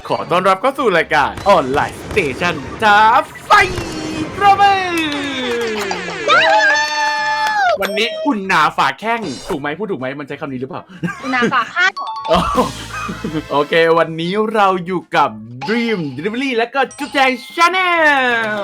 ขอต้อนรับเข้าสู่รายการออนไลน์สเตชันท้าไฟประเบิดวันนี้อุ่นหนาฝาแข้งถูกไหมพูดถูกไหมมันใช้คำนี้หรือเปล่าอุ่นหนาฝาข้างโอเควันนี้เราอยู่กับ Dream Delivery และก็จุ๊บแจง Channel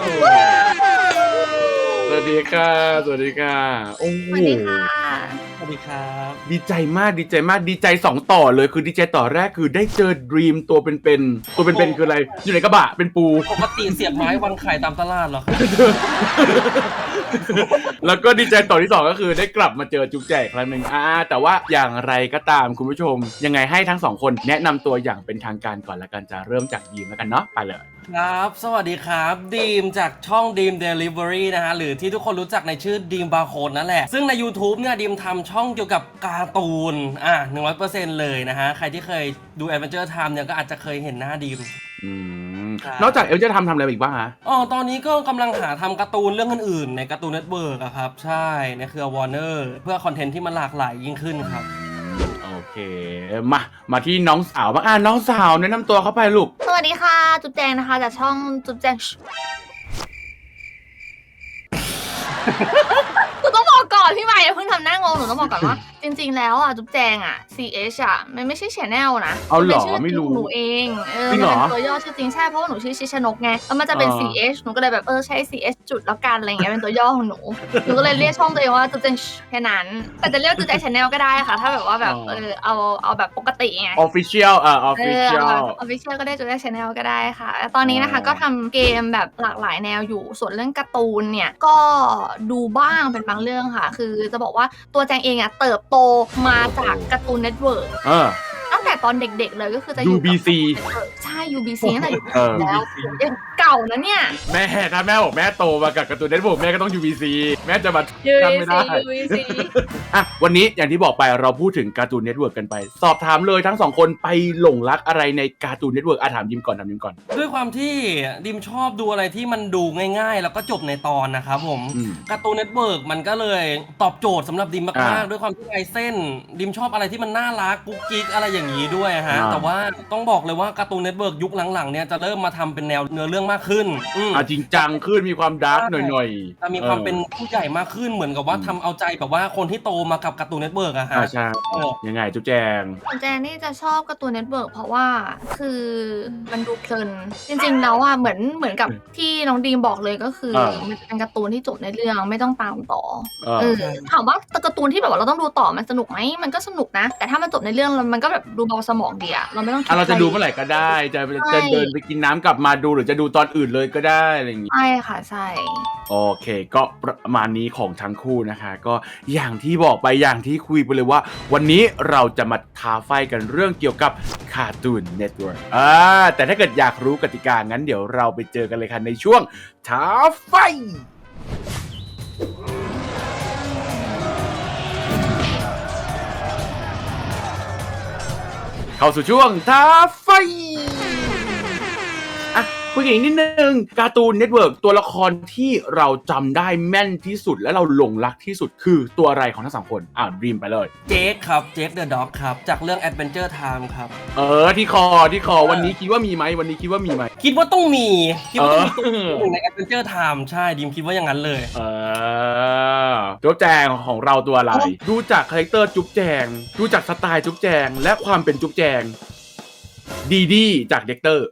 สวัสดีค่ะสวัสดีค่ะโอ้โหสวัสดีค่ะสวัสดีครับดีใจมากดีใจ2ต่อเลยคือดีใจต่อแรกคือได้เจอ Dream ตัวเป็นคืออะไรอยู่ในกระบะเป็นปูปกติเสียบไม้วางไข่ตามตลาดเหรอครับแล้วก็ดีใจต่อที่2ก็คือได้กลับมาเจอจุ๊บแจกครั้งหนึ่งแต่ว่าอย่างไรก็ตามคุณผู้ชมยังไงให้ทั้ง2คนแนะนำตัวอย่างเป็นทางการก่อนละกันจะเริ่มจากดีมแล้วกันเนาะไปเลยครับ สวัสดีครับดีมจากช่องดีม Delivery นะฮะหรือที่ทุกคนรู้จักในชื่อดีมบาร์โค้ดนั่นแหละซึ่งใน YouTube เนี่ยดีมทำช่องเกี่ยวกับการ์ตูน100% เลยนะฮะใครที่เคยดู Adventure Time เนี่ยก็อาจจะเคยเห็นหน้าดีมนอกจากเอลจะทำอะไรอีกบ้างฮะตอนนี้ก็กำลังหาทำการ์ตูนเรื่องอื่นๆในการ์ตูนเน็ตเวิร์กอะครับใช่ในเครือ Warner เพื่อคอนเทนต์ที่มันหลากหลายยิ่งขึ้นครับโอเคมาที่น้องสาวบ้างน้องสาวแนะนำตัวเข้าไปลูกสวัสดีค่ะจุ๊บแจงนะคะจากช่องจุ๊บแจงหนูต้องบอกก่อนพี่ใหม่เพิ่งทำหน้างงหนูต้องบอกก่อนว่าจริงๆแล้วจุ๊บแจงCH มันไม่ใช่ channel นะเอาหรอไม่รู้หนูเองจริงเหรอมันเป็นตัวย่อชื่อจริงใช่เพราะว่าหนูชื่อชิชนกไงแล้วมันจะเป็น CH หนูก็เลยแบบใช้ CH จุดแล้วกันอะไรเงี้ยเป็นตัวย่อของหนูก็เลยเรียกช่องตัวเองว่าจุ๊บแจงแค่นั้นแต่จะเรียกจุ๊บแจง channel ก็ได้ค่ะถ้าแบบว่าแบบเอาแบบปกติไง official official ก็ได้จุ๊บแจง channel ก็ได้ค่ะตอนนี้นะคะก็ทำเกมแบบหลากหลายแนวอยู่ส่วนเรื่องการ์ตูนเนี่ยก็ดูบ้างเป็นบางเรื่องค่ะคือจะบอกว่าตัวแจงเองเติบโตมาจากการ์ตูนเน็ตเวิร์กตั้งแต่ตอนเด็กๆเลยก็คือจะอยู่ UBC ใช่ UBC ตั้งแต่แล้วยังเก่านะเนี่ยถ้าแม่บอกแม่โตมากับการ์ตูนเน็ตเวิร์กแม่ก็ต้อง UBC แม่จะมาจำไม่ได้ UBC วันนี้อย่างที่บอกไปเราพูดถึงการ์ตูนเน็ตเวิร์กกันไปสอบถามเลยทั้ง2คนไปหลงรักอะไรในการ์ตูนเน็ตเวิร์กถามยิมก่อนด้วยความที่ดิมชอบดูอะไรที่มันดูง่ายๆแล้วก็จบในตอนนะครับผมการ์ตูนเน็ตเวิร์กมันก็เลยตอบโจทย์สำหรับดิมมากๆด้วยความที่ลายเส้นดิมชอบอะไรที่มันน่ารักกุ๊กกิ๊กอะไรอย่างนี้ด้วยฮะแต่ว่าต้องบอกเลยว่าการ์ตูนเน็ตเวิร์กยุคหลังๆเนี่ยจะเริ่มมาทำเป็นแนวเนื้อเรื่องมากขึ้นจริงจังขึ้นมีความดาร์กหน่อยๆจะมีความเป็นผู้ใหญ่มากขึ้นเหมือนกับว่าทำเอาใจแบบว่าคนที่โตมากับการ์ตูนเน็ตเวิร์กอะฮะใช่ยังไงจุ๊บแจงนี่จะชอบการ์ตูนเน็ตเวิร์กเพราะว่าคือมันดูเพลินจริงๆแล้วเหมือนกับที่น้องดีมบอกเลยก็คือมันเป็นการ์ตูนที่จบในเรื่องไม่ต้องตามต่อถามว่าการ์ตูนที่แบบว่าเราต้องดูต่อมันสนุกไหมมันก็สนุกนะแต่ถ้ามันจบในเรื่องมันก็แบบดูเบาสมองดีเราไม่ต้องเราจะดูเมื่อไหร่ก็ได้จะเดินไปกินน้ำกลับมาดูหรือจะดูตอนอื่นเลยก็ได้อะไรอย่างงี้ใช่ค่ะใช่โอเคก็ประมาณนี้ของทั้งคู่นะคะก็อย่างที่บอกไปอย่างที่คุยไปเลยว่าวันนี้เราจะมาท้าไฟกันเรื่องเกี่ยวกับCartoon Networkแต่ถ้าเกิดอยากรู้กติกางั้นเดี๋ยวเราไปเจอกันเลยค่ะในช่วงท้าไฟเข้าสู่ช่วงท้าไฟคุยกันอีกนิดนึงการ์ตูนเน็ตเวิร์กตัวละครที่เราจำได้แม่นที่สุดและเราหลงรักที่สุดคือตัวอะไรของทั้ง2คนดีมไปเลยเจคครับเจคเดอะด็อกครับจากเรื่อง Adventure Time ครับที่คอวันนี้คิดว่ามีไหมคิดว่าต้องมีตัวใน Adventure Time ใช่ดิมคิดว่าอย่างนั้นเลยจุ๊บแจงของเราตัวอะไรดูจากคาแรคเตอร์จุ๊บแจงดูจากสไตล์จุ๊บแจงและความเป็นจุ๊บแจงดีจากเด็กเตอร์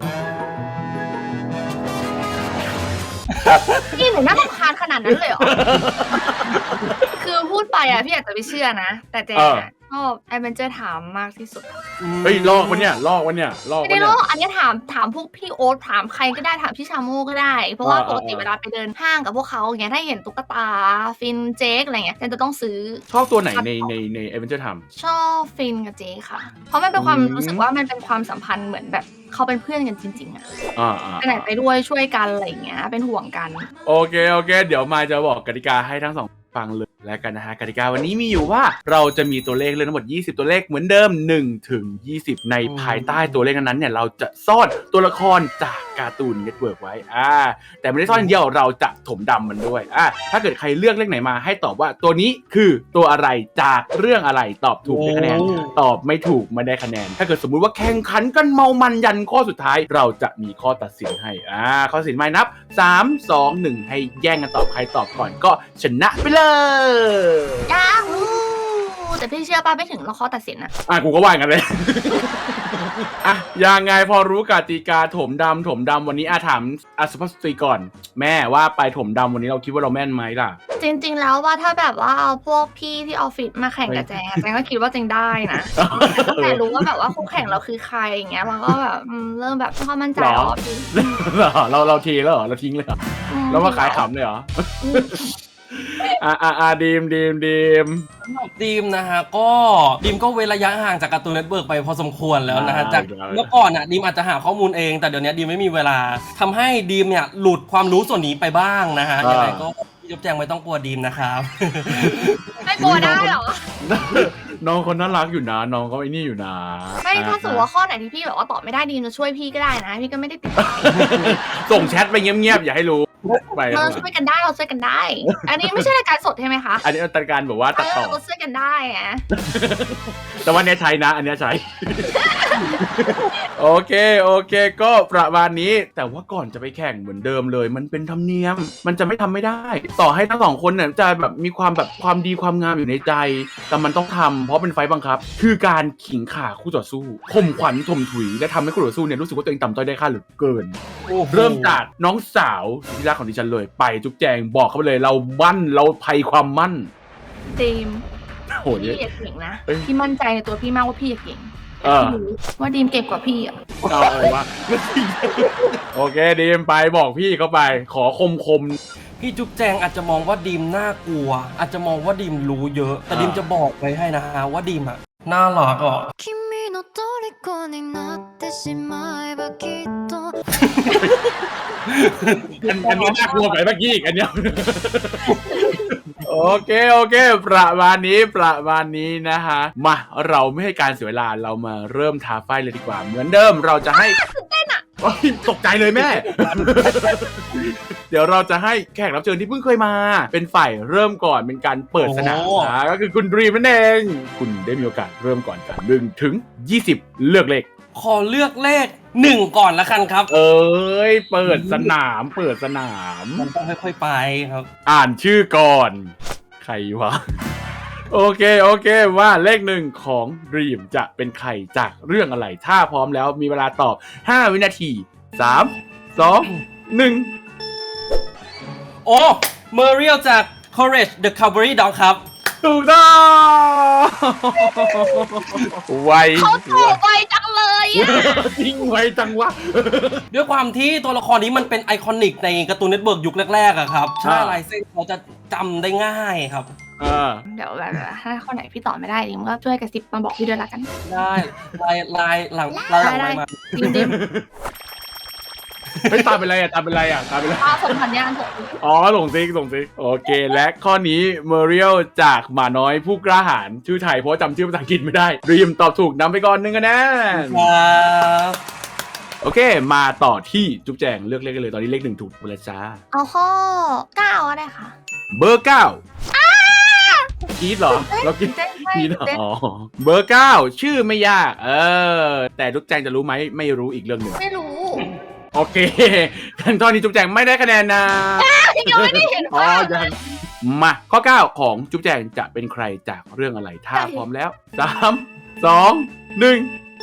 นี่หนูน่ารำคาญขนาดนั้นเลยเหรอ คือพูดไปพี่อาจจะไม่เชื่อนะแต่แจชอบ Adventure Time มากที่สุดลอกวะเนี่ยไม่ได้ลอกอันนี้ถามพวกพี่โอ๊ตถามใครก็ได้ถามพี่ชาโม่ก็ได้เพราะว่าปกติเวลาไปเดินห้างกับพวกเขาอย่างเงี้ยถ้าเห็นตุ๊กตาฟินเจคอะไรเงี้ยจะต้องซื้อชอบตัวไหนใน Adventure Time ชอบฟินกับเจคค่ะเพราะมันเป็นความรู้สึกว่ามันเป็นความสัมพันธ์เหมือนแบบเขาเป็นเพื่อนกันจริงๆไปไหนไปด้วยช่วยกันอะไรเงี้ยเป็นห่วงกันโอเคเดี๋ยวมาจะบอกกติกาให้ทั้ง2ฟังเลยแล้วกันนะฮะกติกาวันนี้มีอยู่ว่าเราจะมีตัวเลขทั้งหมด20ตัวเลขเหมือนเดิม1 ถึง 20ในภายใต้ตัวเลขนั้นเนี่ยเราจะซ่อนตัวละครจากการ์ตูนเน็ตเวิร์กไว้แต่ไม่ได้ซ่อนอย่างเดียวเราจะถมดำมันด้วยถ้าเกิดใครเลือกเลขไหนมาให้ตอบว่าตัวนี้คือตัวอะไรจากเรื่องอะไรตอบถูกได้คะแนนตอบไม่ถูกไม่ได้คะแนนถ้าเกิดสมมุติว่าแข่งขันกันเมามันยันข้อสุดท้ายเราจะมีข้อตัดสินให้ข้อตัดสินไม่นับ3 2 1ให้แย่งกันตอบใครตอบก่อนก็ชนะไปเลยยาฮูแต่พี่เชื่อป่ะไม่ถึงเราข้อตัดสินกูก็ว่างั้นเลยยังไงพอรู้กติกาถมดำวันนี้ถามสุภาพสตรีก่อนแม่ว่าไปถมดำวันนี้เราคิดว่าเราแม่นไหมล่ะจริงๆแล้วว่าถ้าแบบว่าเอาพวกพี่ที่ออฟฟิศมาแข่งกับแจงก็คิดว่าแจงได้นะแต่รู้ว่าแบบว่าคู่แข่งเราคือใครอย่างเงี้ยเราก็แบบเริ่มแบบความมั่นใจเราทีแล้วเหรอเราทิ้งเลยเหรอแล้วมาขายขำเลยเหรอดีมนะฮะก็ดีมก็เว้นระยะห่างจากการ์ตูนเน็ตเวิร์กไปพอสมควรแล้วนะฮะจากเมื่อก่อนดีมอาจจะหาข้อมูลเองแต่เดี๋ยวนี้ดีมไม่มีเวลาทำให้ดีมเนี่ยหลุดความรู้ส่วนนี้ไปบ้างนะฮะยังไงก็พี่จุ๊บแจงไม่ต้องกลัวดีมนะครับไม่กลัวได้หรอน้องคนน่ารักอยู่นะน้องก็ไอ้นี่อยู่นะไม่ถ้าสมมติว่าข้อไหนที่พี่แบบว่าตอบไม่ได้ดีมจะช่วยพี่ก็ได้นะพี่ก็ไม่ได้ติดส่งแชทไปเงียบๆอย่าให้รู้เราช่วยกันได้เราช่วยกันได้อันนี้ไม่ใช่รายการสดใช่ไหมคะอันนี้รายการแบบว่าตัดต่อเราช่วยกันได้แต่ว่าเนี้ยใช้นะอันเนี้ยใช้โอเคก็ประมาณนี้แต่ว่าก่อนจะไปแข่งเหมือนเดิมเลยมันเป็นธรรมเนียมมันจะไม่ทำไม่ได้ต่อให้ทั้งสองคนเนี่ยจะแบบมีความแบบความดีความงามอยู่ในใจแต่มันต้องทำเพราะเป็นไฟบังคับคือการขิงข่าคู่ต่อสู้ข่มขวัญถมถุยและทำให้คู่ต่อสู้เนี่ยรู้สึกว่าตัวเองต่ำต้อยได้ค่าเหลือเกินเริ่มจากน้องสาวที่รักของดิฉันเลยไปจุ๊บแจงบอกเขาไปเลยเรามั่นเราภัยความมั่นดีมพี่อย่าเก่งนะพี่มั่นใจในตัวพี่มากว่าพี่อย่าเก่งว่าดีมเก่งกว่าพี่เอาวะโอเคดีมไปบอกพี่เขาไปขอคมพี่จุ๊บแจงอาจจะมองว่าดีมน่ากลัวอาจจะมองว่าดีมรู้เยอะแต่ดีมจะบอกไว้ให้นะฮะว่าดีมน่ารักอันนี้น่ากลัวไปเมื่อกี้อีกอันเนี้ยโอเคประมาณนี้นะฮะมาเราไม่ให้การเสียเวลาเรามาเริ่มท้าไฟเลยดีกว่าเหมือนเดิมเราจะให้ตกใจเลยแม่ เดี๋ยวเราจะให้แขกรับเชิญที่เพิ่งเคยมาเป็นฝ่ายเริ่มก่อนเป็นการเปิดสนามก็คือคุณดรีมนั่นเองคุณได้มีโอกาสเริ่มก่อนกัน1 ถึง 20เลือกเลขขอเลือกเลข1ก่อนละกันครับเปิดสนามมันต้องค่อยๆไปครับอ่านชื่อก่อนใครวะโอเคว่าเลข1ของ Dream จะเป็นใครจากเรื่องอะไรถ้าพร้อมแล้วมีเวลาตอบ5วินาที3 2 1 โอ้เมอริเอลจาก Courage the Cowardly Dog ครับถูกต้องไวเขาถูกไวจังเลยจริงไวจังวะด้วยความที่ตัวละครนี้มันเป็นไอคอนิกในการ์ตูนเน็ตเวิร์กยุคแรกๆอะครับใช่ลายเส้นเขาจะจำได้ง่ายครับเดี๋ยวแบบถ้าข้อไหนพี่ตอบไม่ได้ดิมก็ช่วยกระซิบมาบอกพี่ด้วยละกันได้ลายหลังมาดิมไม่ตามเป็นไรส่งสัญญาณส่งซิกโอเคและข้อนี้เมอริเอลจากหมาน้อยผู้กล้าหาญชื่อไทยเพราะจำชื่อภาษาอังกฤษไม่ได้ดรีมตอบถูกนำไปก่อน1 คะแนนโอเคมาต่อที่จุ๊บแจงเลือกเลขกันเลยตอนนี้เลข1ถูกไปแล้วจ้าเอาข้อ9ก็ได้ค่ะเบอร์9กีดเหรอเรากีดเหรอเบอร์9ชื่อไม่ยากแต่จุ๊บแจงจะรู้ไหมไม่รู้อีกเรื่องหนึ่งไม่รู้โอเคกันตอนนี้จุ๊บแจงไม่ได้คะแนนนะยังไม่ได้เห็นยังมาข้อ9ของจุ๊บแจงจะเป็นใครจากเรื่องอะไรถ้าพร้อมแล้ว3 2 1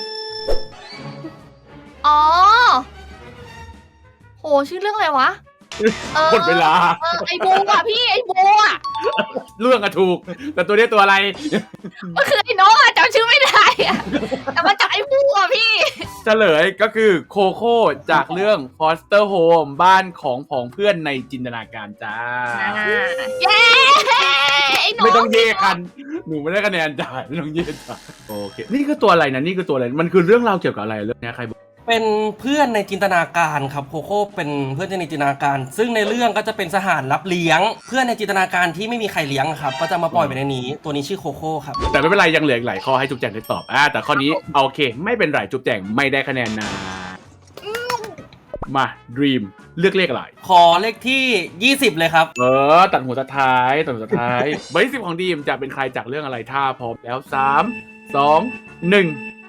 โหชื่อเรื่องอะไรวะหมดเวลาไอ้บูอ่ะพี่ไอ้บูอ่ะเรื่องอะถูกแต่ตัวนี้ตัวอะไรมันคือไอ้น้องอะจำชื่อไม่ได้อะแต่มาจากไอ้บูอ่ะพี่เฉลยก็คือโคโค่จากเรื่อง Foster Home บ้านของผองเพื่อนในจินตนาการจ้าเย้ไม่ต้องเย่กันหนูไม่ได้คะแนนจ้าไม่ต้องเย่จ้าโอเคนี่คือตัวอะไรนะนี่คือตัวอะไรมันคือเรื่องราวเกี่ยวกับอะไรเรื่องนี้ใครบอกเป็นเพื่อนในจินตนาการครับโคโค่เป็นเพื่อนในจินตนาการซึ่งในเรื่องก็จะเป็นสหารรับเลี้ยงเพื่อนในจินตนาการที่ไม่มีใครเลี้ยงครับก็จะมาปล่อยไปในนี้ตัวนี้ชื่อโคโค่ครับแต่ไม่เป็นไรยังเหลืออีกหลายข้อให้จุ๊บแจงได้ตอบแต่ข้อนี้โอเคไม่เป็นไรจุ๊บแจงไม่ได้คะแนนนะมาดีมเลือกเลขอะไรขอเลขที่ 20 เลยครับตัดหัวตัดท้ายตัดหัวตัดท้าย เบอร์ที่ 10ของดีมจะเป็นใครจากเรื่องอะไรถ้าพร้อมแล้ว3 2 1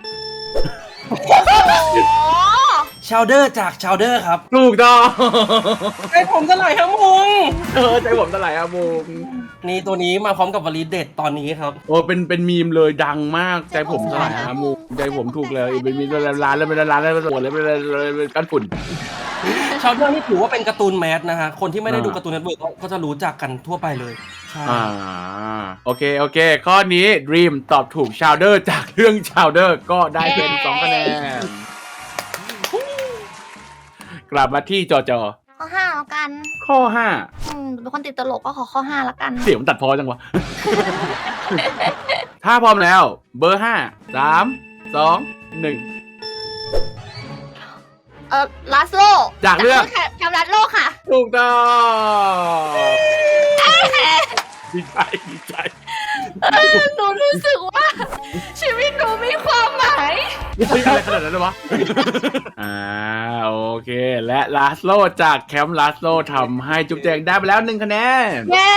ชาวเดอร์จากชาวเดอร์ครับถูกต้องไอ้ผมจะไหลครับมุงใจผมตะไหลอะบุงนี่ตัวนี้มาพร้อมกับวลีเด็ดตอนนี้ครับโอ้เป็นมีมเลยดังมากใจผมตะไหลอะบุงใจผมถูกเลยเป็นมีร้านแล้วเป็นร้านแล้วเป็นหมดเลยเป็นก้อนฝุ่นชาวเดอร์นี่ถือว่าเป็นการ์ตูนแมสนะฮะ คนที่ไม่ได้ดูการ์ตูนเน็ตเวิร์กก็จะรู้จักกันทั่วไปเลย ใช่โอเคข้อนี้ Dream ตอบถูก Chowder จากเรื่อง Chowder ก็ได้เป็น2คะแนนกลับมาที่จอข้อ 5แล้วกันข้อเป็นคนติดตลกก็ขอข้อ 5แล้วกัน 5เสียงมันตัดพอจังวะ ถ้าพร้อมแล้วเบอร์ 5 3 2 1 ลาสโลจากเรื่องแคมรัสโลค่ะถูกต้องดีใจหนูรู้สึกว่า ชีวิตหนูมีความหมายอะไรขนาดนั้นเลยวะ โอเค และลาสโลจากแคมป์ลาสโลทำให้จุ๊บแจงได้ไปแล้ว1คะแนนเย้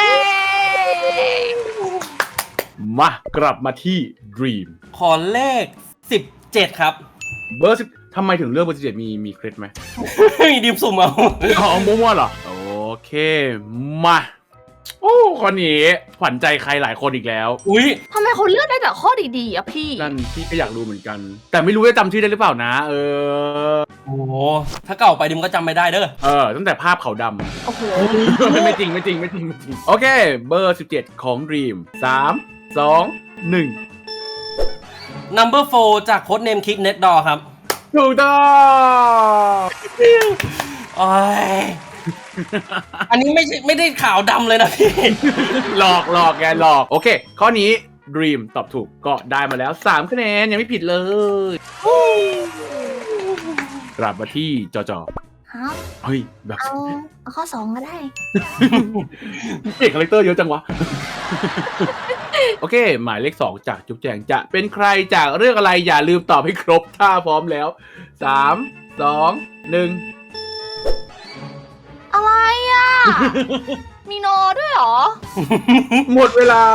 มากลับมาที่ Dream ขอเลข 17 ครับเบอร์10ทำไมถึงเลือกเบอร์17มีเคล็ดไหมมีดิมสุ่มเอาของมั่วๆเหรอ โอเค มาโอ้คนนี้ขวัญใจใครหลายคนอีกแล้วอุ้ยทำไมเขาเลือกได้แต่ข้อดีๆอ่ะพี่นั่นพี่ก็อยากรู้เหมือนกัน แต่ไม่รู้จะจำชื่อได้หรือเปล่านะโอ้โหถ้าเก่าไปดิมก็จำไม่ได้เด้อตั้งแต่ภาพเขาวดโอ้โหำ ไม่จริง โอเค เบอร์17ของ Dream 3 2 1 Number 4 จากโค้ดเนมคิกเน็ตดอครับถูกต้องโอ้ย อันนี้ไม่ได้ขาวดำเลยนะพี่หลอกแกหลอก โอเค ข้อนี้ Dream ตอบถูกก็ได้มาแล้ว3คะแนนยังไม่ผิดเลย กลับมาที่จอครับเฮ้ย แบบเอาข้อ 2ก็ได้เอกคาแรคเตอร์เยอะจังวะ โอเค หมายเลข 2 จากจุ๊บแจงจะเป็นใครจากเรื่องอะไรอย่าลืมตอบให้ครบถ้าพร้อมแล้ว 3 2 1 อะไรอ่ะ มีโนด้วยเหรอหมดเวลา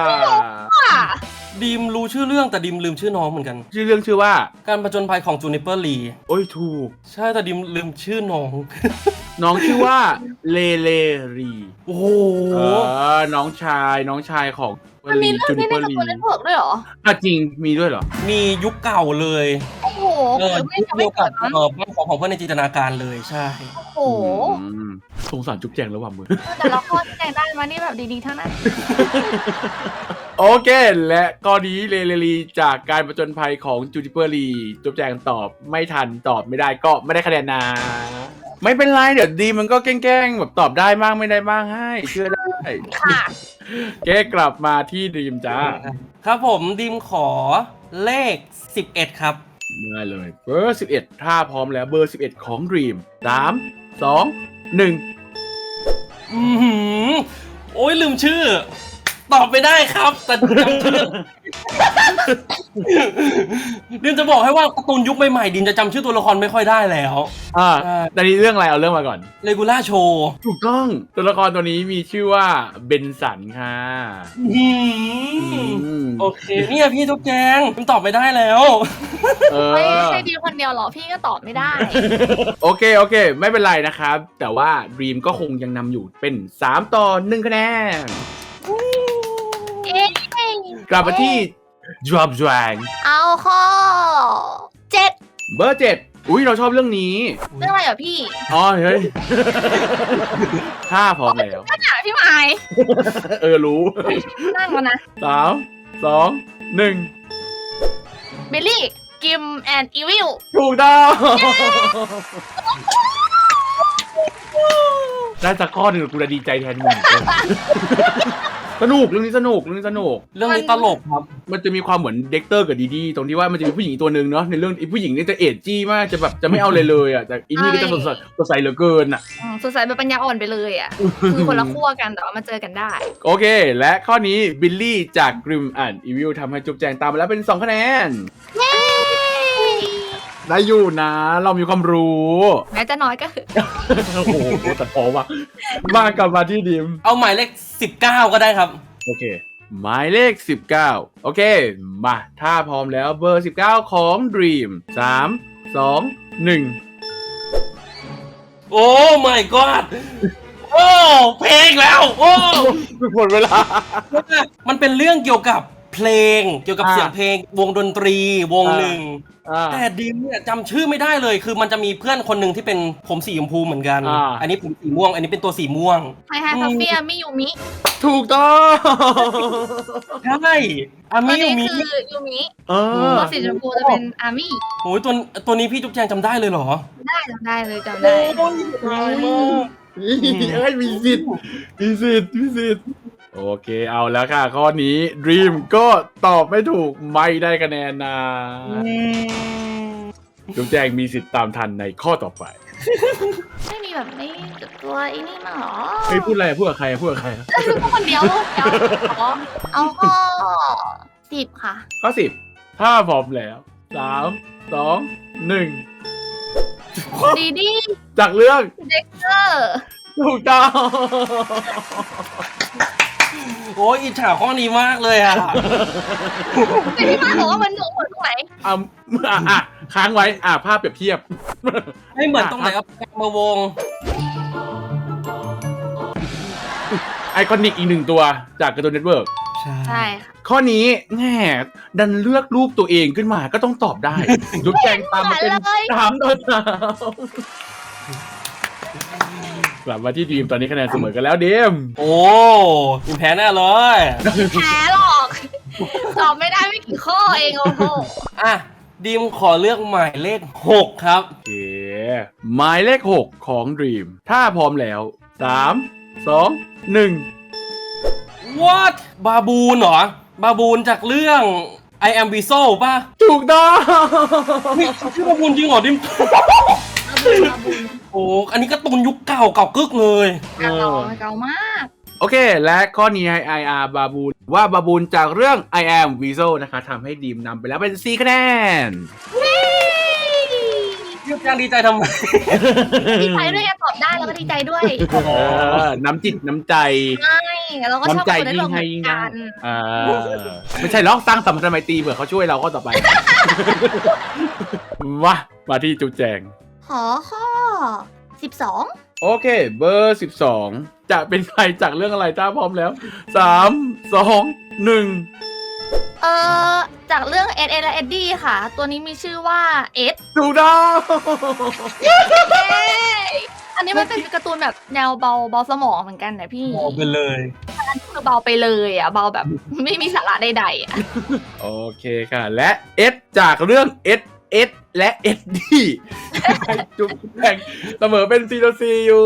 ดิมรู้ชื่อเรื่องแต่ดิมลืมชื่อน้องเหมือนกันชื่อเรื่องชื่อว่าการผจญภัยของจูนิเปอร์ลีโอ้ยถูกใช่แต่ดิมลืมชื่อน้องน้องชื่อว่าเลรีโอ้โหน้องชายของมันมีเรื่องนี้ในการ์ตูนเน็ตเวิร์กด้วยเหรอจริงมีด้วยเหรอมียุคเก่าเลยโอ้โห ไม่ยุคจะเดีไม่ยวเกิกัดบนะบ้านของเพื่อนในจินตนาการเลยใช่โอ้โหสงสารจุ๊บแจงแล้วว่ะมือแต่ละข้อที่แต่งได้มานี่แบบดีๆทั้งนั้นโอเค และข้อนี้เลรีจากการประจนภัยของจูนิเปอร์ลีจุ๊บแจงตอบไม่ทันตอบไม่ได้ก็ไม่ได้คะแนนนะ ไม่เป็นไรเดี๋ยวดีมันก็แกล้งๆแบบตอบได้บ้างไม่ได้บ้างให้เชื่อได้ค่ะเก๊กลับมาที่ดีมจ้าครับผมดิมขอเลข 11 ครับได้เลยเบอร์11ถ้าพร้อมแล้วเบอร์11ของ Dream 3 2 1 อือหือโอ้ยลืมชื่อ ตอบไม่ได้ครับ แต่จำชื่อ ดิมจะบอกให้ว่าการ์ตูนยุคใหม่ๆดิมจะจำชื่อตัวละครไม่ค่อยได้แล้วแต่นี้เรื่องอะไรเอาเรื่องมาก่อนเลกูล่าโชว์ถูกต้องตัวละครตัวนี้มีชื่อว่าเบนสันค่ะโอเคเนี่ยพี่ทุกแจงดิมตอบไม่ได้แล้วไม่ใช่ดีคนเดียวหรอ พี่ก็ตอบไม่ได้โอเคไม่เป็นไรนะครับ แต่ว่า Dream ก็คงยังนำอยู่เป็น3ต่อ1คะแนนเอ๊ะกลับมาที่ Drop Drag เอาข้อ 7 เบอร์7อุ้ยเราชอบเรื่องนี้เรื่องอะไรเหรอพี่อ๋อเฮ้ย ถ้าพร้อมแล้วก็หนาพี่ไม้รู้นั่งมานะ 3 2 1 บิลลี่ กิมแอนด์อีวิลถูกต้องได้สักข้อหนึ่งกูจะดีใจแทนมึงสนุกเรื่องนี้สนุกเรื่องนี้ตลกครับมันจะมีความเหมือนเด็กเตอร์กับดีดีตรงที่ว่ามันจะมีผู้หญิงอีกตัวหนึ่งเนาะในเรื่องไอ้ผู้หญิงนี่จะเอจจี้มากจะแบบจะไม่เอาเลยอ่ะแต่อีนี่ก็จะสดใสเหลือเกินอ่ะสดใสแบบปัญญาอ่อนไปเลยอ่ะ คือคนละขั้วกันแต่ว่ามาเจอกันได้โอเค และข้อนี้บิลลี่จาก Grim and Evil ทำให้จุ๊บแจงตามมาแล้วเป็น2คะแนนเย้ได้อยู่นะ เรามีความรู้แม้จะน้อยก็คือโอ้โหแต่พอว่ะมากลับมาที่ดิมเอาหมายเลข19ก็ได้ครับโอเค หมายเลข 19 โอเค มา ถ้าพร้อมแล้วเบอร์ 19 ของ Dream 3 2 โอ้ my god โอ้เพลงแล้ว โอ้ 1 หมดเวลามันเป็นเรื่องเกี่ยวกับเพลง เกี่ยวกับเสียงเพลง วงดนตรีวงหนึ่ง แต่ดิมเนี่ยจำชื่อไม่ได้เลย คือมันจะมีเพื่อนคนหนึ่งที่เป็นผมสีชมพูเหมือนกัน อันนี้ผมสีม่วง อันนี้เป็นตัวสีม่วงไฮไฮคาเฟ่มิยูมิถูกต้องใช่อาตัวมินี้ยูมิคือยูมิเออตัวสีชมพูจะเป็นอามิโอ้ยตัวนี้พี่จุ๊บแจงจำได้เลยเหรอได้จำได้เลยจำได้โอ้ยตายมากเอ้ยมีสิทธิ์มีสิทธิ์มีสิทธิ์โอเคเอาแล้วค่ะ ข้อนี้ Dream ก็ตอบไม่ถูกไม่ได้คะแนนนะจุ๊บแจงมีสิทธิ์ตามทันในข้อต่อไปไม่มีแบบไม่ตัวไอ้นี่มาหรอเฮ้ยพูดอะไรพูดกับใครพูดกับใครพูดคนเดียวเอาข้อ10ค่ะข้อ 10 ถ้าพร้อมแล้ว 3 2 1 ดีดีจากเรื่องเด็กเกอร์ถูกต้องโอ้ยอิจฉาข้อนี้มากเลยอ่ะแต่ที่มาบอกว่ามันหนูเหมือนตรงไหนค้างไว้ภาพเปรียบเทียบไม่เหมือนตรงไหนเอาแปลงมาวงไอคอนิกอีก 1 ตัวจากการ์ตูนเน็ตเวิร์กใช่ค่ะข้อนี้แง่ดันเลือกรูปตัวเองขึ้นมาก็ต้องตอบได้ จุ๊บแจงตามมาเป็น3 ต่อ 3กลับมาที่ดีมตอนนี้คะแนนเสมอกันแล้วเดมโอ้ยิมแพ้แน่เลยแพ้หรอกตอบไม่ได้ไม่กี่ข้อเองโอ้โหอ่ะดิมขอเลือกหมายเลข6ครับโอเคหมายเลข 6 ของ Dream ถ้าพร้อมแล้ว 3 2 1 What บาบูนเหรอ บาบูนจากเรื่อง I am Weasel ป่ะถูกต้องเฮ้ยชื่อบาบูนจริงเหรอดิม โอ้อันนี้การ์ตูนยุคเก่ากึกเลยเก่ามากโอเค และข้อนี้ให้ IR บาบูนว่าบาบูนจากเรื่อง I am Weasel นะคะทำให้ดีมนำไปแล้วเป็น 4 คะแนนยุคกลางดีใจทำไมดีใจด้วยตอบได้แล้วก็ดีใจด้วยน้ำจิตน้ำใจใช่เราก็ชอบน้ำใจคนได้ยิ่ลงงให้เหมืยิ่อง นได้กันไม่ใช่หรอกสร้างสัมพันธไมตรีเผื่อเขาช่วยเราข้อต่อไป มาที่จุ๊บแจงขอข้อ 12 โอเค เบอร์ 12 จะเป็นใครจากเรื่องอะไรถ้าพร้อมแล้ว 3 2 1 จากเรื่องเอ็ดและเอ็ดดี้ค่ะ ตัวนี้มีชื่อว่าเอ็ดถูกต้องอันนี้มันเป็นการ์ตูนแบบแนวเบาสมองเหมือนกันนะพี่บอกไปเลยคือเบาไปเลยอ่ะเบาแบบ ไม่มีสาระใดๆอ่ะโอเคค่ะ และเอสจากเรื่องเอสและเอ็ดดี้จุ๊บแจงเสมอเป็นซีอยู่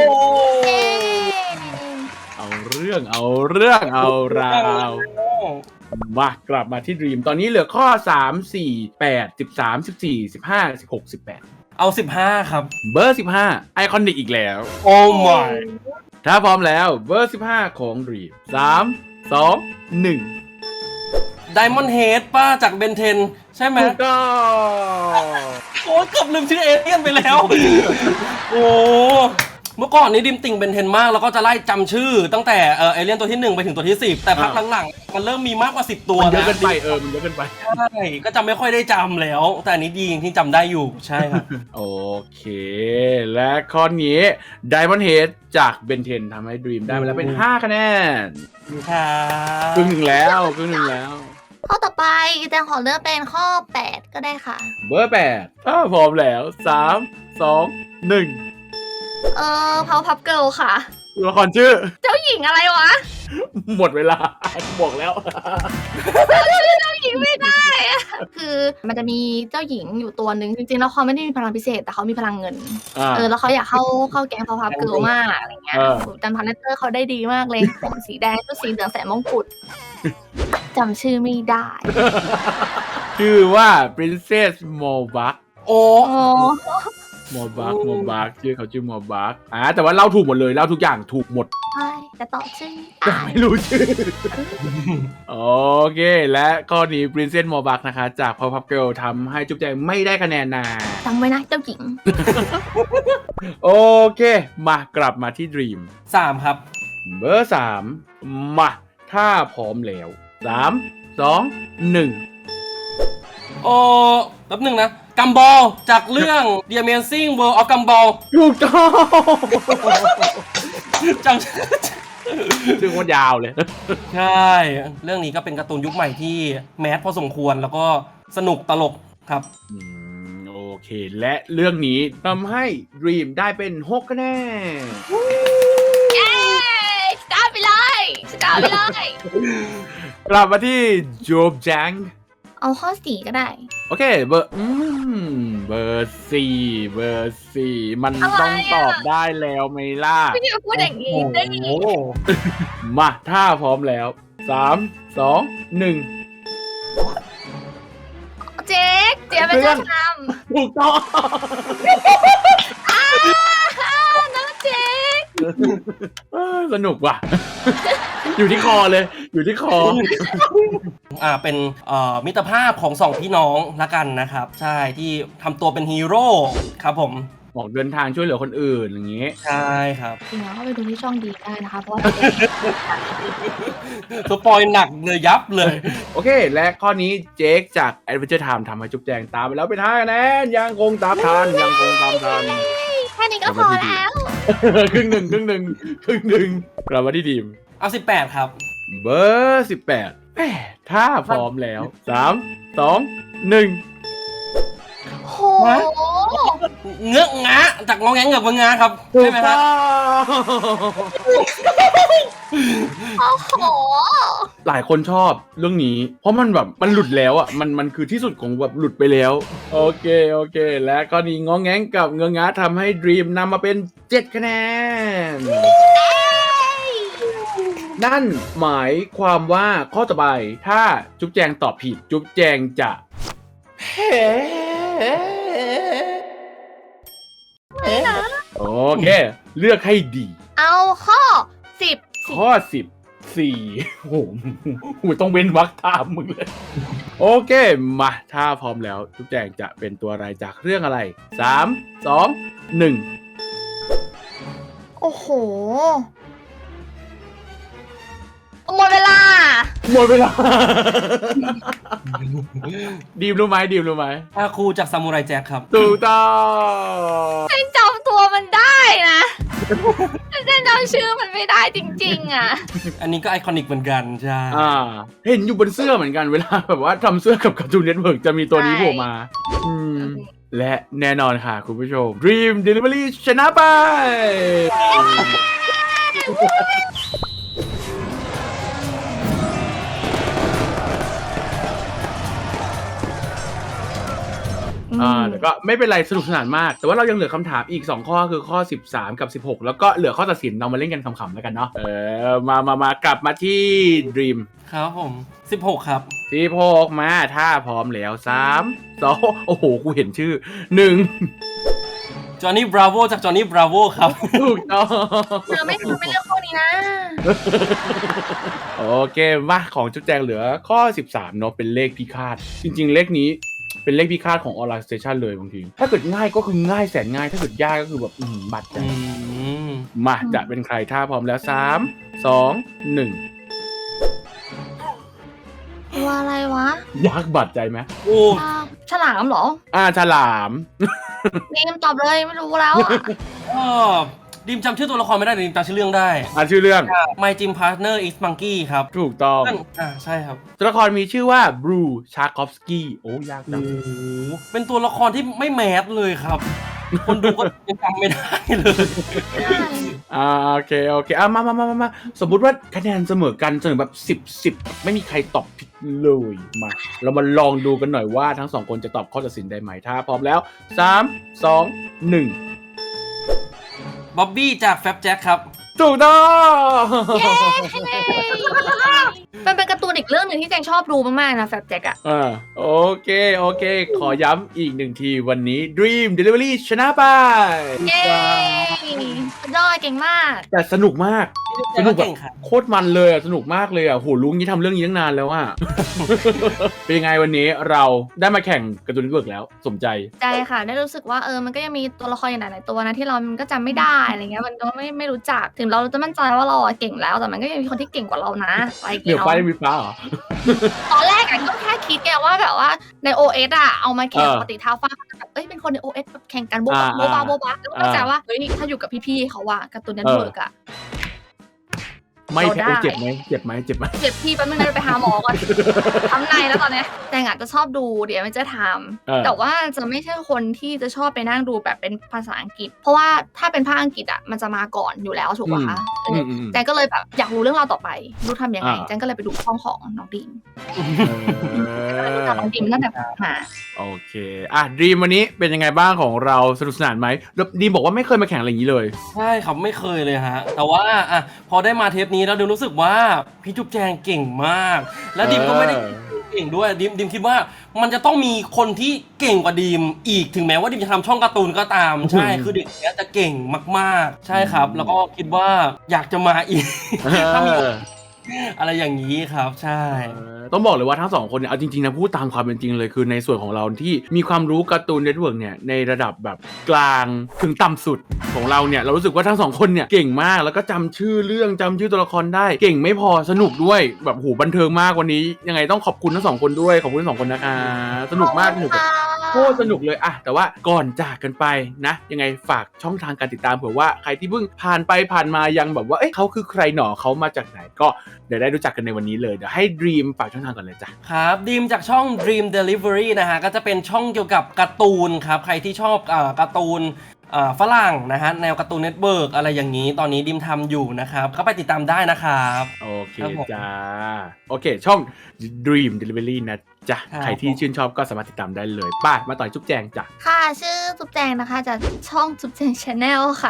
เอาเรื่องเอาราวมากลับมาที่ดีมตอนนี้เหลือข้อ 3 4 8 13 14 15 16 18 เอา 15 ครับเบอร์ 15 ไอคอนิกอีกแล้วโอ้ my ถ้าพร้อมแล้วเบอร์ 15 ของดีม3 2 1 Diamond Head ป้าจากเบนเทนใช่ไหมถูกต้องโอ้ยเกือบลืมชื่อเอเลี่ยนไปแล้ว โอ้เมื่อก่อนนี้ดิมติ่งเบนเทนมากแล้วก็จะไล่จำชื่อ ตั้งแต่เอเลี่ยนตัวที่ 1 ไปถึงตัวที่ 10 แต่พักหลังๆมันเริ่มมีมากกว่า 10 ตัวมันเยอะนะเกินไปมันเยอะเกินไปใช่ก็จำไม่ค่อยได้จำแล้ว แต่อันนี้ดีจริงที่จำได้อยู่ใช่ครับโอเค และข้อนี้ Diamond Head จากเบนเทนทำให้ Dream ได้มาแล้วเป็น 5 คะแนนครับครึ่งหนึ่งแล้วข้อต่อไปแจงขอเลือกเป็นข้อ 8 ก็ได้ค่ะเบอร์ 8 ถ้าพร้อมแล้ว 3 2 1 พาวพับเกิลค่ะตัวละครชื่อเจ้าหญิงอะไรวะหมดเวลา บอกแล้วเจ้าหญิงไม่ได้อะคือมันจะมีเจ้าหญิงอยู่ตัวหนึ่งจริงๆแล้วเขาไม่ได้มีพลังพิเศษแต่เขามีพลังเงิน แล้วเขาอยากเข้าแก๊งพาวพับเกิลมากอะไรเงี้ยจำพาร์เนเตอร์เขาได้ดีมากเลยผมสีแดงชุดสีเหลืองใส่มงกุฎจำชื่อไม่ได้ชื่อว่า Princess Molbach โอ้อ๋อหมอบักชื่อเขาชื่อหมอบักแต่ว่าเล่าถูกหมดเลยเล่าทุกอย่างถูกหมดใช่แต่ตอบชื่อแต่ไม่รู้ชื่อ โอเค และข้อนี้ Princess หมอบักนะคะ จาก Powerpuff Girl ทำให้จุ๊บแจงไม่ได้คะแนนนะจำไว้นะเจ้าหญิงโอเค มากลับมาที่ Dream 3 ครับเบอร์ 3 มาถ้าพร้อมแล้ว 3 2 1 โอ้แป๊บหนึ่งนะกัมบอลจากเรื่อง The Amazing World of Gumball ถูกต้องจังชื่อโคตรยาวเลยใช่ เรื่องนี้ก็เป็นการ์ตูนยุคใหม่ที่แมสพอสมควรแล้วก็สนุกตลกครับโอเค และเรื่องนี้ทำให้ Dream ได้เป็น 6 คะแนนเย้สตาร์ทไปเลยสตาร์ทไปเลยกลับมาที่โจบแจงเอาข้อ4ก็ได้โอเค เบอร์เบอร์สี่มันอะไรต้องอะตอบได้แล้วไหมล่ะไม่ได้พูดอย่างนี้ได้โอ้โหมาถ้าพร้อมแล้ว 3 2 1 เจ๊กเจ๊เป็นเจ้าทถูกต้องำน้องเจ๊กสนุกว่ะ อยู่ที่คอเลย อยู่ที่คอเป็นมิตรภาพของสองพี่น้องละกันนะครับ ใช่ที่ทำตัวเป็นฮีโร่ครับผมบอกเดินทางช่วยเหลือคนอื่นอย่างงี้ใช่ครับจริงๆแล้วเข้าไปดูที่ช่องดีได้นะคะเพราะว่าสปอยหนักเลยยับเลยโอเค และข้อนี้เจคจาก Adventure Time ทำให้จุ๊บแจงตามไปแล้วเป็น5คะแนนยังคงตามทันแค่นี้ก็พอแล้วครึ่งหนึ่งกลับมาที่ดีมเอา18 ครับเบอร์ 18แหมถ้าพร้อมแล้ว 3 2 1 โหเงื้องะจากงอแงงเงือกงะครับถูใช่กไหมคต้รัอบ งโอ้โหหลายคนชอบเรื่องนี้ เพราะมันแบบมันหลุดแล้วอ่ะมันคือที่สุดของแบบหลุดไปแล้ว โอเค และข้อนี้ง้อแง้งกับเงื้องะทำให้ Dream นำมาเป็น 7 คะแนน นั่นหมายความว่าข้อต่อไปถ้าจุ๊บแจงตอบผิด จุ๊บแจงจะโอเค เลือกให้ดีเอาข้อ10 ข้อ 14โอ้โหกูต้องเว้นวรรคตามมึงเลย โอเค มาถ้าพร้อมแล้ว จุ๊บแจงจะเป็นตัวอะไรจากเรื่องอะไร 3 2 โอ้โหหมดเวลา 1 หมดเวลา ดีมรู้ไหมอาคูจากซามูไรแจ็คครับถูกต้องฉันจำตัวมันได้นะแต่ฉันจำชื่อมันไม่ได้จริงๆอ่ะอันนี้ก็ไอคอนิกเหมือนกัน ใช่เห็นอยู่บนเสื้อเหมือนกันเวลาแบบว่าทำเสื้อกับการ์ตูนเน็ตเวิร์กจะมีตัวนี้โผล่มาและแน่นอนค่ะคุณผู้ชม Dream Delivery ชนะไป แต่ก็ไม่เป็นไรสนุกสนานมาก แต่ว่าเรายังเหลือคำถามอีก 2 ข้อคือข้อ 13 กับ 16 แล้วก็เหลือข้อตัดสินเรามาเล่นกันขำๆแล้วกันเนาะมากลับมาที่ Dream ครับผม 16 ครับ 16มาถ้าพร้อมแล้ว 3 2 โอ้โห กูเห็นชื่อ 1 จอห์นนี่บราโวจากจอห์นนี่บราโวครับถูกต้องเธอไม่เลือกข้อนี้นะโอเคมาของจุ๊บแจงเหลือข้อ 13 เนาะเป็นเลขพิฆาตจริงๆ เลขนี้เป็นเลขพิฆาตของออนไลน์สเตชันเลยบางทีถ้าเกิดง่ายก็คือง่ายแสนง่ายถ้าเกิดยากก็คือแบบบัดใจมาจะเป็นใครถ้าพร้อมแล้ว 3 2 1 ตัวอะไรวะยากบัดใจไหมโอ้ฉลามเหรอฉลามนี่ตอบเลยไม่รู้แล้วอะดิมจำชื่อตัวละครไม่ได้แต่ดิมจำชื่อเรื่องได้ชื่อเรื่อง My Gym Partner is Monkey ครับถูกต้องใช่ครับตัวละครมีชื่อว่าบรูชาคอฟสกี้โอ้ยากจังเป็นตัวละครที่ไม่แมสเลยครับ คนดูก็ยังจำไม่ได้เลยโอเคมาสมมุติว่าคะแนนเสมอกันเสมอแบบ10ไม่มีใครตอบผิดเลยมาเรามาลองดูกันหน่อยว่าทั้ง2คนจะตอบข้อตัดสินได้ไหมถ้าพร้อมแล้ว3 2 1 บ๊อบบี้จากแฟบแจ็คครับถูกต้องมันเป็นการ์ตูนอีกเรื่องหนึ่งที่แจงชอบดูมากๆนะแฟบแจ็คอะโอเคขอย้ำอีก1ทีวันนี้ Dream Delivery ชนะไปเย้สุดยอดเก่งมากแต่สนุกมากสนุกแบบเก่งค่ะโคตรมันเลยสนุกมากเลยโหรู้งี้ทำเรื่องนี้ตั้งนานแล้วอะ เป็นยังไงวันนี้เราได้มาแข่งการ์ตูนเน็ตเวิร์กแล้วสมใจใจค่ะได้รู้สึกว่ามันก็ยังมีตัวละครอย่างหลายๆตัวนะที่เรามันก็จำไม่ได้อะไรเงี้ยมันก็ไม่รู้จักถึงเราจะมั่นใจว่าเราเก่งแล้วแต่มันก็ยังมีคนที่เก่งกว่าเรานะอะไรอย่างเดี๋เงี้ยวย ไฟได้มีฟ้าเหรอตอนแรกก็แค่คิดแกว่าแบบว่าใน OS เอามาแข่งปกติท้าฟ้าแบบเป็นคนใน OS แบบแข่งกันโบ๊ะโบ๊ะโบ๊ะแล้วก็เข้าใจว่าเฮ้ยถ้าอยู่กับพี่ๆเขาว่าการ์ตูนเน็ตเวิร์กไม่แค่เจ็บไหมเจ็บไหมเจ็บพี่แป๊บนึงนะไปหาหมอก่อนทำในแล้วตอนเนี้ยแต่งจะชอบดูเดี๋ยวมันจะทำแต่ว่าจะไม่ใช่คนที่จะชอบไปนั่งดูแบบเป็นภาษาอังกฤษเพราะว่าถ้าเป็นภาคอังกฤษมันจะมาก่อนอยู่แล้วถูกป่ะคะแจงก็เลยแบบอยากรู้เรื่องราวต่อไปรู้ทำยังไงแจงก็เลยไปดูช่องของน้องดีมรู้จักน้องดีมตั้งแต่มาโอเคดีมวันนี้เป็นยังไงบ้างของเราสนุกสนานไหมดีมบอกว่าไม่เคยมาแข่งอะไรอย่างนี้เลยใช่ครับไม่เคยเลยฮะแต่ว่าพอได้มาเทปนี้แล้วดิมรู้สึกว่าพี่จุ๊บแจงเก่งมากและดิมก็ไม่ได้เก่งด้วยดิมคิดว่ามันจะต้องมีคนที่เก่งกว่าดิมอีกถึงแม้ว่าดิมจะทำช่องการ์ตูนก็ตามใช่คือเด็กเนี้ยจะเก่งมากๆใช่ครับแล้วก็คิดว่าอยากจะมาอีกถ้ามีอะไรอย่างนี้ครับใช่ต้องบอกเลยว่าทั้งสองคนเนี่ยเอาจริงๆนะพูดตามความเป็นจริงเลยคือในส่วนของเราที่มีความรู้การ์ตูนเน็ตเวิร์กเนี่ยในระดับแบบกลางถึงต่ำสุดของเราเนี่ยเรารู้สึกว่าทั้งสองคนเนี่ยเก่งมากแล้วก็จำชื่อเรื่องจำชื่อตัวละครได้เก่งไม่พอสนุกด้วยแบบบันเทิงมากวันนี้ยังไงต้องขอบคุณทั้งสองคนด้วยขอบคุณทั้งสองคนนะคะสนุกมากสนุกโคตรสนุกเลยแต่ว่าก่อนจากกันไปนะยังไงฝากช่องทางการติดตามเผื่อว่าใครที่เพิ่งผ่านไปผ่านมายังแบบว่าเขาคือใครหนอเขามาจากไหนก็เดี๋ยวได้รู้จักกันในวันนี้เลยเดี๋ยวให้ Dream ฝากช่องทางก่อนเลยจ้ะครับดีมจากช่อง Dream Delivery นะฮะก็จะเป็นช่องเกี่ยวกับการ์ตูนครับใครที่ชอบการ์ตูนฝรั่งนะฮะแนวการ์ตูนเน็ตเวิร์กอะไรอย่างนี้ตอนนี้ดิมทำอยู่นะครับก็ไปติดตามได้นะครับโอเคจ้าโอเคช่อง Dream Delivery นะจ้ะใครที่ชื่นชอบก็สามารถติดตามได้เลยป้ามาต่อยจุ๊บแจงจ้ะค่ะชื่อจุ๊บแจงนะคะจากช่องจุ๊บแจง Channel ค่ะ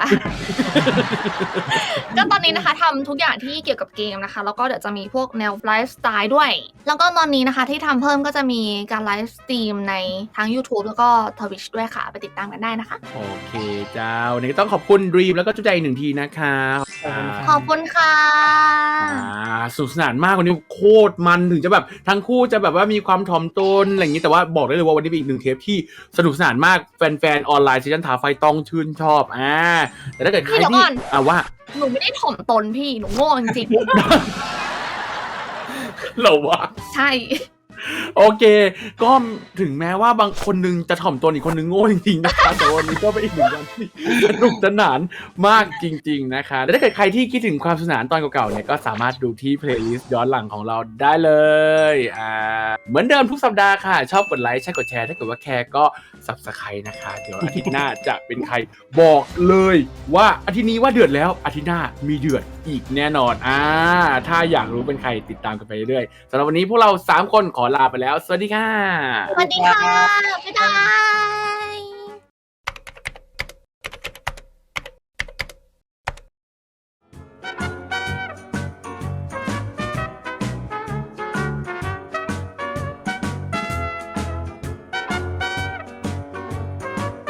ก็ตอนนี้นะคะทำทุกอย่างที่เกี่ยวกับเกมนะคะแล้วก็เดี๋ยวจะมีพวกแนวไลฟ์สไตล์ด้วยแล้วก็ตอนนี้นะคะที่ทำเพิ่มก็จะมีการไลฟ์สตรีมในทั้ง YouTube แล้วก็ Twitch ด้วยค่ะไปติดตามกันได้นะคะโอเคจ้าวันนี้ต้องขอบคุณ Dream แล้วก็จุ๊บแจงอีกหนึ่งทีนะคะขอบคุณค่ะสนุกสนานมากวันนี้โคตรมันถึงจะแบบทั้งคู่จะแบบว่ามีความถ่อมตนอะไรอย่างนี้แต่ว่าบอกได้เลยว่าวันนี้เป็นอีกหนึ่งเทปที่สนุกสนานมากแฟนๆออนไลน์ซีซั่นท้าไฟต้องชื่นชอบแต่ถ้าเกิดใครที่ว่าหนูไม่ได้ถ่อมตนพี่หนูโง่จริงๆเราว่าใช่โอเคก็ถึงแม้ว่าบางคนนึงจะถ่อมตนอีกคนนึงโง่จริงๆนะคะแต่วันนี้ก็เป็นอีกหนึ่งวันที่สนุกสนานมากจริงๆนะคะและถ้าเกิดใครที่คิดถึงความสนุกสนานตอนเก่าๆเนี่ยก็สามารถดูที่เพลย์ลิสต์ย้อนหลังของเราได้เลยเหมือนเดิมทุกสัปดาห์ค่ะชอบกดไลค์ใช่กดแชร์ถ้าเกิดว่าแคร์ก็ Subscribe นะคะเดี๋ยวอาทิตย์หน้าจะเป็นใครบอกเลยว่าอาทิตย์นี้ว่าเดือดแล้วอาทิตย์หน้ามีเดือดอีกแน่นอนถ้าอยากรู้เป็นใครติดตามกันไปเรื่อยๆสำหรับวันนี้พวกเรา3คนขอลาไปแล้วสวัสดีค่ะสวัสดีค่ะบ๊ายบาย